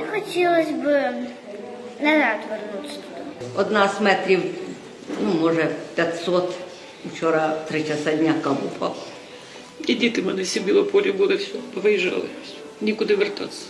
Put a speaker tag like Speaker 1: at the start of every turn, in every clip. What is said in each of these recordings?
Speaker 1: Мені хотілося б назад повернутися туди.
Speaker 2: Одна з метрів, може 500. Вчора 3 часа дня каб упав.
Speaker 3: І діти в мене всі в Білополі були, все, виїжджали. Нікуди вертатися.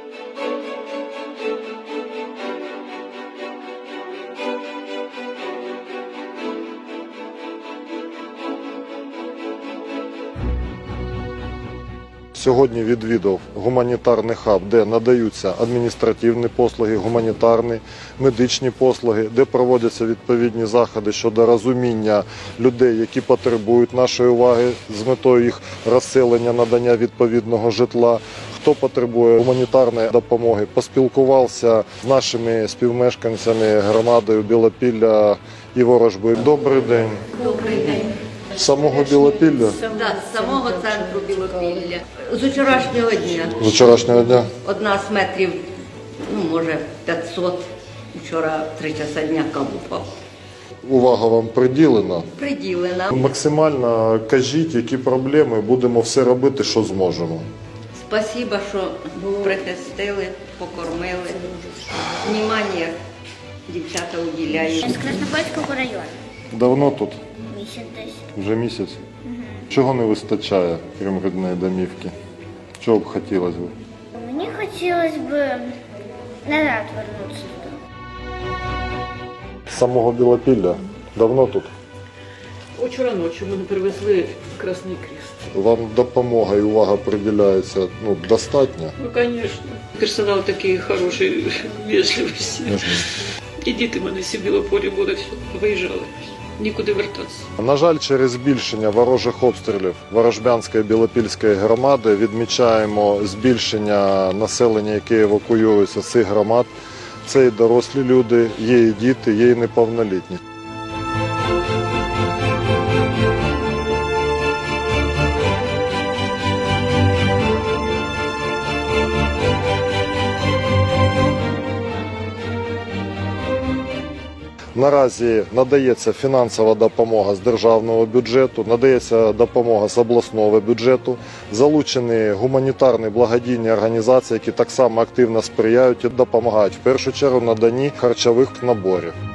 Speaker 4: Сьогодні відвідав гуманітарний хаб, де надаються адміністративні послуги, гуманітарні, медичні послуги, де проводяться відповідні заходи щодо розуміння людей, які потребують нашої уваги з метою їх розселення, надання відповідного житла. Хто потребує гуманітарної допомоги, поспілкувався з нашими співмешканцями громадою Білопілля і Ворожби. Добрий день.
Speaker 2: Добрий день.
Speaker 4: З самого Білопілля?
Speaker 2: Так, з самого центру Білопілля. З вчорашнього дня.
Speaker 4: З вчорашнього дня?
Speaker 2: Одна з метрів, може 500. Вчора 3 часа дня каб упав.
Speaker 4: Увага вам приділена?
Speaker 2: Приділена.
Speaker 4: Максимально кажіть, які проблеми, будемо все робити, що зможемо.
Speaker 2: Спасибо, що прихистили, покормили. Внимання дівчата уділяють.
Speaker 1: З Краснопольського району.
Speaker 4: Давно тут?
Speaker 1: Місяць десь.
Speaker 4: Вже місяць? Чого не вистачає, крім рідної домівки? Чого б хотілося б?
Speaker 1: Мені хотілося б назад повернутися туди.
Speaker 4: З самого Білопілля? Давно тут?
Speaker 3: Вчора ночі мене привезли Красний Крест.
Speaker 4: Вам допомога і увага приділяється достатньо?
Speaker 3: Ну, звісно. Персонал такий хороший, вежливості. І діти в мене всі в Білополі були, все, виїжджали. Нікуди вертатися.
Speaker 4: На жаль, через збільшення ворожих обстрілів Ворожбянської Білопільської громади відмічаємо збільшення населення, яке евакуюється з цих громад. Це і дорослі люди, є і діти, є і неповнолітні. Наразі надається фінансова допомога з державного бюджету, надається допомога з обласного бюджету, залучені гуманітарні благодійні організації, які так само активно сприяють і допомагають, в першу чергу, наданні харчових наборів.